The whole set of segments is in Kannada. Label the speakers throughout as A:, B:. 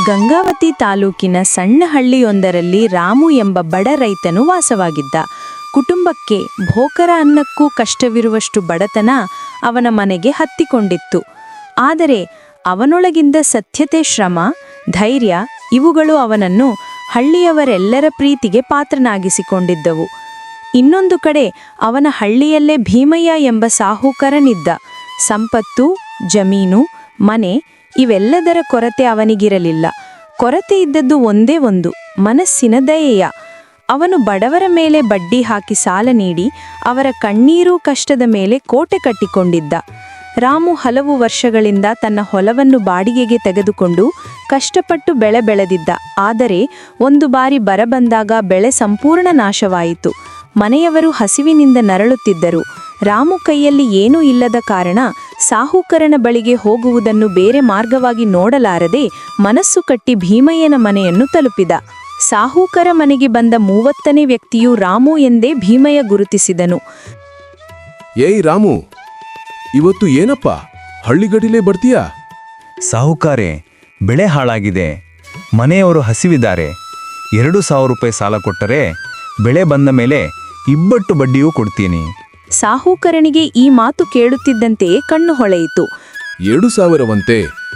A: ಗಂಗಾವತಿ ತಾಲೂಕಿನ ಸಣ್ಣ ಹಳ್ಳಿಯೊಂದರಲ್ಲಿ ರಾಮು ಎಂಬ ಬಡ ರೈತನು ವಾಸವಾಗಿದ್ದ. ಕುಟುಂಬಕ್ಕೆ ಭೋಕರ ಅನ್ನಕ್ಕೂ ಕಷ್ಟವಿರುವಷ್ಟು ಬಡತನ ಅವನ ಮನೆಗೆ ಹತ್ತಿಕೊಂಡಿತ್ತು. ಆದರೆ ಅವನೊಳಗಿಂದ ಸತ್ಯತೆ, ಶ್ರಮ, ಧೈರ್ಯ ಇವುಗಳು ಅವನನ್ನು ಹಳ್ಳಿಯವರೆಲ್ಲರ ಪ್ರೀತಿಗೆ ಪಾತ್ರನಾಗಿಸಿಕೊಂಡಿದ್ದವು. ಇನ್ನೊಂದು ಕಡೆ ಅವನ ಹಳ್ಳಿಯಲ್ಲೇ ಭೀಮಯ್ಯ ಎಂಬ ಸಾಹುಕಾರನಿದ್ದ. ಸಂಪತ್ತು, ಜಮೀನು, ಮನೆ ಇವೆಲ್ಲದರ ಕೊರತೆ ಅವನಿಗಿರಲಿಲ್ಲ. ಕೊರತೆ ಇದ್ದದ್ದು ಒಂದೇ ಒಂದು, ಮನಸ್ಸಿನ ದಯೆಯ. ಅವನು ಬಡವರ ಮೇಲೆ ಬಡ್ಡಿ ಹಾಕಿ ಸಾಲ ನೀಡಿ ಅವರ ಕಣ್ಣೀರು ಕಷ್ಟದ ಮೇಲೆ ಕೋಟೆ ಕಟ್ಟಿಕೊಂಡಿದ್ದ. ರಾಮು ಹಲವು ವರ್ಷಗಳಿಂದ ತನ್ನ ಹೊಲವನ್ನು ಬಾಡಿಗೆಗೆ ತೆಗೆದುಕೊಂಡು ಕಷ್ಟಪಟ್ಟು ಬೆಳೆ ಬೆಳೆದಿದ್ದ. ಆದರೆ ಒಂದು ಬಾರಿ ಬರ ಬಂದಾಗ ಬೆಳೆ ಸಂಪೂರ್ಣ ನಾಶವಾಯಿತು. ಮನೆಯವರು ಹಸಿವಿನಿಂದ ನರಳುತ್ತಿದ್ದರು. ರಾಮು ಕೈಯಲ್ಲಿ ಏನೂ ಇಲ್ಲದ ಕಾರಣ ಸಾಹುಕರನ ಬಳಿಗೆ ಹೋಗುವುದನ್ನು ಬೇರೆ ಮಾರ್ಗವಾಗಿ ನೋಡಲಾರದೆ ಮನಸ್ಸು ಕಟ್ಟಿ ಭೀಮಯ್ಯನ ಮನೆಯನ್ನು ತಲುಪಿದ. ಸಾಹುಕರ ಮನೆಗೆ ಬಂದ 30ನೇ ವ್ಯಕ್ತಿಯು ರಾಮು ಎಂದೇ ಭೀಮಯ್ಯ ಗುರುತಿಸಿದನು.
B: ಏಯ್ ರಾಮು, ಇವತ್ತು ಏನಪ್ಪ ಹಳ್ಳಿಗಡಿಲೇ ಬರ್ತೀಯಾ?
C: ಸಾಹುಕಾರೆ, ಬೆಳೆ ಹಾಳಾಗಿದೆ, ಮನೆಯವರು ಹಸಿವಿದ್ದಾರೆ. 2,000 ರೂಪಾಯಿ ಸಾಲ ಕೊಟ್ಟರೆ ಬೆಳೆ ಬಂದ ಮೇಲೆ ಇಬ್ಬಟ್ಟು ಬಡ್ಡಿಯೂ ಕೊಡ್ತೀನಿ.
A: ಸಾಹುಕರನಿಗೆ ಈ ಮಾತು ಕೇಳುತ್ತಿದ್ದಂತೆಯೇ ಕಣ್ಣು ಹೊಳೆಯಿತು.
B: 2,000ವಂತೆ?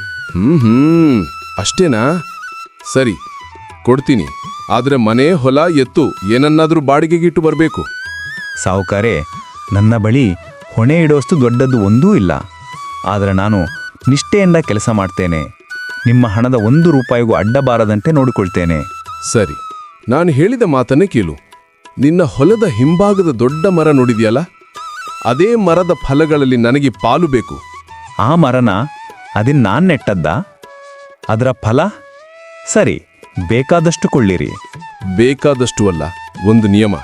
B: ಅಷ್ಟೇನಾ? ಸರಿ, ಕೊಡ್ತೀನಿ. ಆದ್ರೆ ಮನೆ, ಹೊಲ, ಎತ್ತು ಏನನ್ನಾದ್ರೂ ಬಾಡಿಗೆಗಿಟ್ಟು ಬರಬೇಕು.
C: ಸಾಹುಕಾರೆ, ನನ್ನ ಬಳಿ ಹೊಣೆ ಇಡೋಷ್ಟು ದೊಡ್ಡದ್ದು ಒಂದೂ ಇಲ್ಲ. ಆದರೆ ನಾನು ನಿಷ್ಠೆಯಿಂದ ಕೆಲಸ ಮಾಡ್ತೇನೆ. ನಿಮ್ಮ ಹಣದ 1 ರೂಪಾಯಿಗೂ ಅಡ್ಡ ಬಾರದಂತೆ ನೋಡಿಕೊಳ್ತೇನೆ.
B: ಸರಿ, ನಾನು ಹೇಳಿದ ಮಾತನ್ನೇ ಕೇಳು. ನಿನ್ನ ಹೊಲದ ಹಿಂಭಾಗದ ದೊಡ್ಡ ಮರ ನೋಡಿದ್ಯಲ್ಲ, ಅದೇ ಮರದ ಫಲಗಳಲ್ಲಿ ನನಗೆ ಪಾಲು ಬೇಕು.
C: ಆ ಮರನ ಅದನ್ನ ನಾನು ನೆಟ್ಟದ್ದ? ಅದರ ಫಲ? ಸರಿ, ಬೇಕಾದಷ್ಟು ಕೊಳ್ಳಿರಿ.
B: ಬೇಕಾದಷ್ಟು ಅಲ್ಲ, ಒಂದು ನಿಯಮ.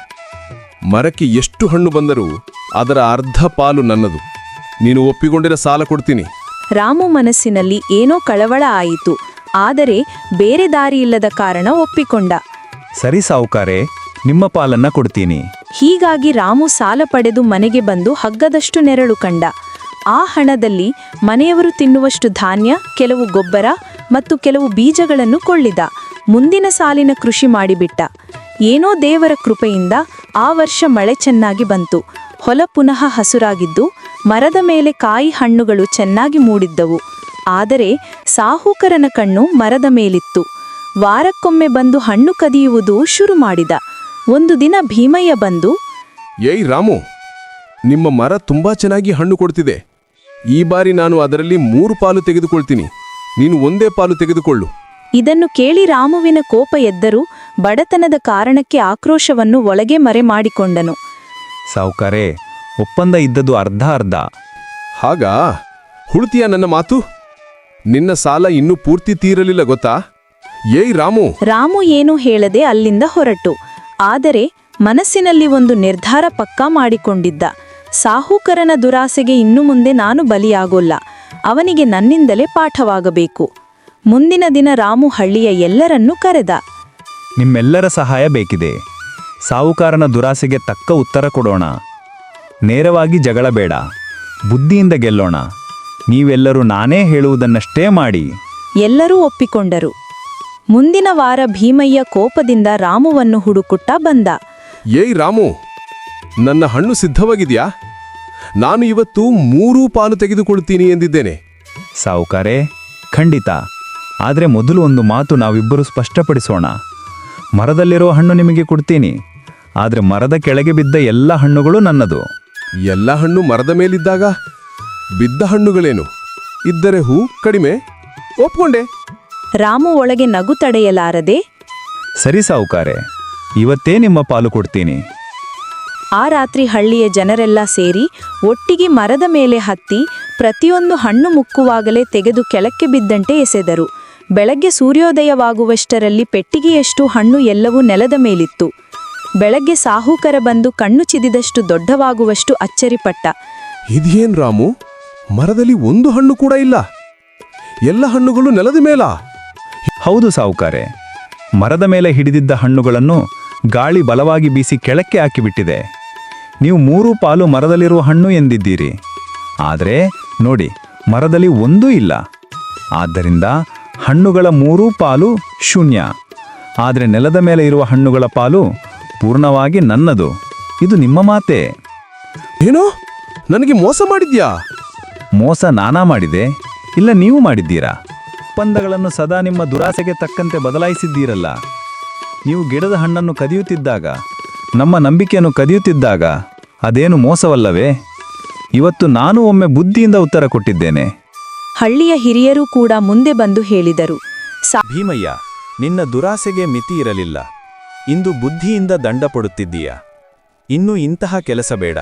B: ಮರಕ್ಕೆ ಎಷ್ಟು ಹಣ್ಣು ಬಂದರೂ ಅದರ ಅರ್ಧ ಪಾಲು ನನ್ನದು. ನೀನು ಒಪ್ಪಿಕೊಂಡಿರ ಸಾಲ ಕೊಡ್ತೀನಿ.
A: ರಾಮು ಮನಸ್ಸಿನಲ್ಲಿ ಏನೋ ಕಳವಳ ಆಯಿತು. ಆದರೆ ಬೇರೆ ದಾರಿಯಿಲ್ಲದ ಕಾರಣ ಒಪ್ಪಿಕೊಂಡ.
C: ಸರಿ ಸಾಹುಕಾರೆ, ನಿಮ್ಮ ಪಾಲನ್ನ ಕೊಡ್ತೀನಿ.
A: ಹೀಗಾಗಿ ರಾಮು ಸಾಲ ಪಡೆದು ಮನೆಗೆ ಬಂದು ಹಗ್ಗದಷ್ಟು ನೆರಳು ಕಂಡ. ಆ ಹಣದಲ್ಲಿ ಮನೆಯವರು ತಿನ್ನುವಷ್ಟು ಧಾನ್ಯ, ಕೆಲವು ಗೊಬ್ಬರ ಮತ್ತು ಕೆಲವು ಬೀಜಗಳನ್ನು ಕೊಳ್ಳಿದ. ಮುಂದಿನ ಸಾಲಿನ ಕೃಷಿ ಮಾಡಿಬಿಟ್ಟ. ಏನೋ ದೇವರ ಕೃಪೆಯಿಂದ ಆ ವರ್ಷ ಮಳೆ ಚೆನ್ನಾಗಿ ಬಂತು. ಹೊಲ ಪುನಃ ಹಸುರಾಗಿದ್ದು ಮರದ ಮೇಲೆ ಕಾಯಿ ಹಣ್ಣುಗಳು ಚೆನ್ನಾಗಿ ಮೂಡಿದ್ದವು. ಆದರೆ ಸಾಹುಕರನ ಕಣ್ಣು ಮರದ ಮೇಲಿತ್ತು. ವಾರಕ್ಕೊಮ್ಮೆ ಬಂದು ಹಣ್ಣು ಕದಿಯುವುದು ಶುರು ಮಾಡಿದ. ಒಂದು ದಿನ ಭೀಮಯ್ಯ ಬಂದು,
B: ಏಯ್ ರಾಮು, ನಿಮ್ಮ ಮರ ತುಂಬಾ ಚೆನ್ನಾಗಿ ಹಣ್ಣು ಕೊಡ್ತಿದೆ. ಈ ಬಾರಿ ನಾನು ಅದರಲ್ಲಿ 3 ಪಾಲು ತೆಗೆದುಕೊಳ್ತೀನಿ. ನೀನು 1 ಪಾಲು ತೆಗೆದುಕೊಳ್ಳು.
A: ಇದನ್ನು ಕೇಳಿ ರಾಮುವಿನ ಕೋಪ ಎದ್ದರೂ ಬಡತನದ ಕಾರಣಕ್ಕೆ ಆಕ್ರೋಶವನ್ನು ಒಳಗೆ ಮರೆ ಮಾಡಿಕೊಂಡನು.
C: ಸಾಹುಕಾರೆ, ಒಪ್ಪಂದ ಇದ್ದದ್ದು ಅರ್ಧ ಅರ್ಧ.
B: ಹಾಗಾ? ಹುಡ್ತೀಯ ನನ್ನ ಮಾತು? ನಿನ್ನ ಸಾಲ ಇನ್ನೂ ಪೂರ್ತಿ ತೀರಲಿಲ್ಲ ಗೊತ್ತಾ? ಏಯ್ ರಾಮು!
A: ರಾಮು ಏನೂ ಹೇಳದೆ ಅಲ್ಲಿಂದ ಹೊರಟು. ಆದರೆ ಮನಸ್ಸಿನಲ್ಲಿ ಒಂದು ನಿರ್ಧಾರ ಪಕ್ಕಾ ಮಾಡಿಕೊಂಡಿದ್ದ. ಸಾಹುಕರನ ದುರಾಸೆಗೆ ಇನ್ನು ಮುಂದೆ ನಾನು ಬಲಿಯಾಗೋಲ್ಲ. ಅವನಿಗೆ ನನ್ನಿಂದಲೇ ಪಾಠವಾಗಬೇಕು. ಮುಂದಿನ ದಿನ ರಾಮು ಹಳ್ಳಿಯ ಎಲ್ಲರನ್ನೂ ಕರೆದ.
C: ನಿಮ್ಮೆಲ್ಲರ ಸಹಾಯ ಬೇಕಿದೆ. ಸಾಹುಕಾರನ ದುರಾಸೆಗೆ ತಕ್ಕ ಉತ್ತರ ಕೊಡೋಣ. ನೇರವಾಗಿ ಜಗಳ ಬೇಡ, ಬುದ್ಧಿಯಿಂದ ಗೆಲ್ಲೋಣ. ನೀವೆಲ್ಲರೂ ನಾನೇ ಹೇಳುವುದನ್ನಷ್ಟೇ ಮಾಡಿ.
A: ಎಲ್ಲರೂ ಒಪ್ಪಿಕೊಂಡರು. ಮುಂದಿನ ವಾರ ಭೀಮಯ್ಯ ಕೋಪದಿಂದ ರಾಮುವನ್ನು ಹುಡುಕುತ್ತಾ ಬಂದ.
B: ಏಯ್ ರಾಮು, ನನ್ನ ಹಣ್ಣು ಸಿದ್ಧವಾಗಿದೆಯಾ? ನಾನು ಇವತ್ತು 3 ಪಾಲು ತೆಗೆದುಕೊಳ್ತೀನಿ ಎಂದಿದ್ದೇನೆ.
C: ಸಾಹುಕಾರೆ, ಖಂಡಿತ. ಆದರೆ ಮೊದಲು ಒಂದು ಮಾತು ನಾವಿಬ್ಬರು ಸ್ಪಷ್ಟಪಡಿಸೋಣ. ಮರದಲ್ಲಿರೋ ಹಣ್ಣು ನಿಮಗೆ ಕೊಡ್ತೀನಿ, ಆದರೆ ಮರದ ಕೆಳಗೆ ಬಿದ್ದ ಎಲ್ಲ ಹಣ್ಣುಗಳು ನನ್ನದು.
B: ಎಲ್ಲ ಹಣ್ಣು ಮರದ ಮೇಲಿದ್ದಾಗ ಬಿದ್ದ ಹಣ್ಣುಗಳೇನು? ಇದ್ದರೆ ಹೂ ಕಡಿಮೆ. ಒಪ್ಕೊಂಡೆ.
A: ರಾಮು ಒಳಗೆ ನಗು ತಡೆಯಲಾರದೆ,
C: ಸರಿ ಸಾಹುಕಾರೆ, ಇವತ್ತೇ ನಿಮ್ಮ ಪಾಲು ಕೊಡ್ತೀನಿ.
A: ಆ ರಾತ್ರಿ ಹಳ್ಳಿಯ ಜನರೆಲ್ಲ ಸೇರಿ ಒಟ್ಟಿಗೆ ಮರದ ಮೇಲೆ ಹತ್ತಿ ಪ್ರತಿಯೊಂದು ಹಣ್ಣು ಮುಕ್ಕುವಾಗಲೇ ತೆಗೆದು ಕೆಳಕ್ಕೆ ಬಿದ್ದಂತೆ ಎಸೆದರು. ಬೆಳಗ್ಗೆ ಸೂರ್ಯೋದಯವಾಗುವಷ್ಟರಲ್ಲಿ ಪೆಟ್ಟಿಗೆಯಷ್ಟು ಹಣ್ಣು ಎಲ್ಲವೂ ನೆಲದ ಮೇಲಿತ್ತು. ಬೆಳಗ್ಗೆ ಸಾಹುಕರ ಬಂದು ಕಣ್ಣು ಚಿದಿದಷ್ಟು ದೊಡ್ಡವಾಗುವಷ್ಟು ಅಚ್ಚರಿಪಟ್ಟ.
B: ಇದೇನ್ ರಾಮು, ಮರದಲ್ಲಿ 1 ಹಣ್ಣು ಕೂಡ ಇಲ್ಲ, ಎಲ್ಲ ಹಣ್ಣುಗಳು ನೆಲದ ಮೇಲ?
C: ಹೌದು ಸಾಹುಕಾರೆ, ಮರದ ಮೇಲೆ ಹಿಡಿದಿದ್ದ ಹಣ್ಣುಗಳನ್ನು ಗಾಳಿ ಬಲವಾಗಿ ಬೀಸಿ ಕೆಳಕ್ಕೆ ಹಾಕಿಬಿಟ್ಟಿದೆ. ನೀವು 3 ಪಾಲು ಮರದಲ್ಲಿರುವ ಹಣ್ಣು ಎಂದಿದ್ದೀರಿ. ಆದರೆ ನೋಡಿ, ಮರದಲ್ಲಿ ಒಂದೂ ಇಲ್ಲ. ಆದ್ದರಿಂದ ಹಣ್ಣುಗಳ 3 ಪಾಲು ಶೂನ್ಯ. ಆದರೆ ನೆಲದ ಮೇಲೆ ಇರುವ ಹಣ್ಣುಗಳ ಪಾಲು ಪೂರ್ಣವಾಗಿ ನನ್ನದು. ಇದು ನಿಮ್ಮ ಮಾತೆ.
B: ಏನೋ ನನಗೆ ಮೋಸ ಮಾಡಿದ್ಯಾ?
C: ಮೋಸ ನಾನಾ ಮಾಡಿದೆ, ಇಲ್ಲ ನೀವು ಮಾಡಿದ್ದೀರಾ? ಒಪ್ಪಂದಗಳನ್ನು ಸದಾ ನಿಮ್ಮ ದುರಾಸೆಗೆ ತಕ್ಕಂತೆ ಬದಲಾಯಿಸಿದ್ದೀರಲ್ಲ. ನೀವು ಗಿಡದ ಹಣ್ಣನ್ನು ಕದಿಯುತ್ತಿದ್ದಾಗ, ನಮ್ಮ ನಂಬಿಕೆಯನ್ನು ಕದಿಯುತ್ತಿದ್ದಾಗ ಅದೇನು ಮೋಸವಲ್ಲವೇ? ಇವತ್ತು ನಾನು ಒಮ್ಮೆ ಬುದ್ಧಿಯಿಂದ ಉತ್ತರ ಕೊಟ್ಟಿದ್ದೇನೆ.
A: ಹಳ್ಳಿಯ ಹಿರಿಯರೂ ಕೂಡ ಮುಂದೆ ಬಂದು ಹೇಳಿದರು.
D: ಭೀಮಯ್ಯ, ನಿನ್ನ ದುರಾಸೆಗೆ ಮಿತಿ ಇರಲಿಲ್ಲ. ಇಂದು ಬುದ್ಧಿಯಿಂದ ದಂಡ ಪಡುತ್ತಿದ್ದೀಯ. ಇನ್ನು ಇಂತಹ ಕೆಲಸ ಬೇಡ.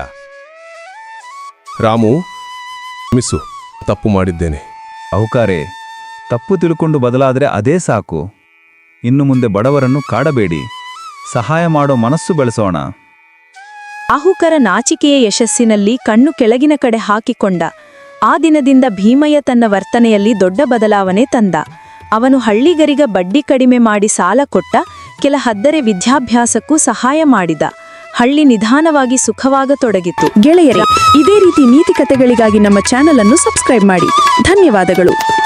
B: ರಾಮು, ಮಿಸ್ಸು, ತಪ್ಪು ಮಾಡಿದ್ದೇನೆ.
C: ಅಹುಕಾರೆ, ತಪ್ಪು ತಿಳ್ಕೊಂಡು ಬದಲಾದರೆ ಅದೇ ಸಾಕು. ಇನ್ನು ಮುಂದೆ ಬಡವರನ್ನು ಕಾಡಬೇಡಿ, ಸಹಾಯ ಮಾಡೋ ಮನಸ್ಸು ಬೆಳೆಸೋಣ.
A: ಆಹುಕರ ನಾಚಿಕೆಯ ಯಶಸ್ಸಿನಲ್ಲಿ ಕಣ್ಣು ಕೆಳಗಿನ ಕಡೆ ಹಾಕಿಕೊಂಡ. ಆ ದಿನದಿಂದ ಭೀಮಯ್ಯ ತನ್ನ ವರ್ತನೆಯಲ್ಲಿ ದೊಡ್ಡ ಬದಲಾವಣೆ ತಂದ. ಅವನು ಹಳ್ಳಿಗರಿಗ ಬಡ್ಡಿ ಕಡಿಮೆ ಮಾಡಿ ಸಾಲ ಕೊಟ್ಟ, ಕೆಲ ಹದ್ದರೆ ವಿದ್ಯಾಭ್ಯಾಸಕ್ಕೂ ಸಹಾಯ ಮಾಡಿದ. ಹಳ್ಳಿ ನಿಧಾನವಾಗಿ ಸುಖವಾಗತೊಡಗಿತು.
E: ಗೆಳೆಯರೇ, ಇದೇ ರೀತಿ ನೀತಿ ಕಥೆಗಳಿಗಾಗಿ ನಮ್ಮ ಚಾನೆಲ್ ಅನ್ನು ಸಬ್ಸ್ಕ್ರೈಬ್ ಮಾಡಿ. ಧನ್ಯವಾದಗಳು.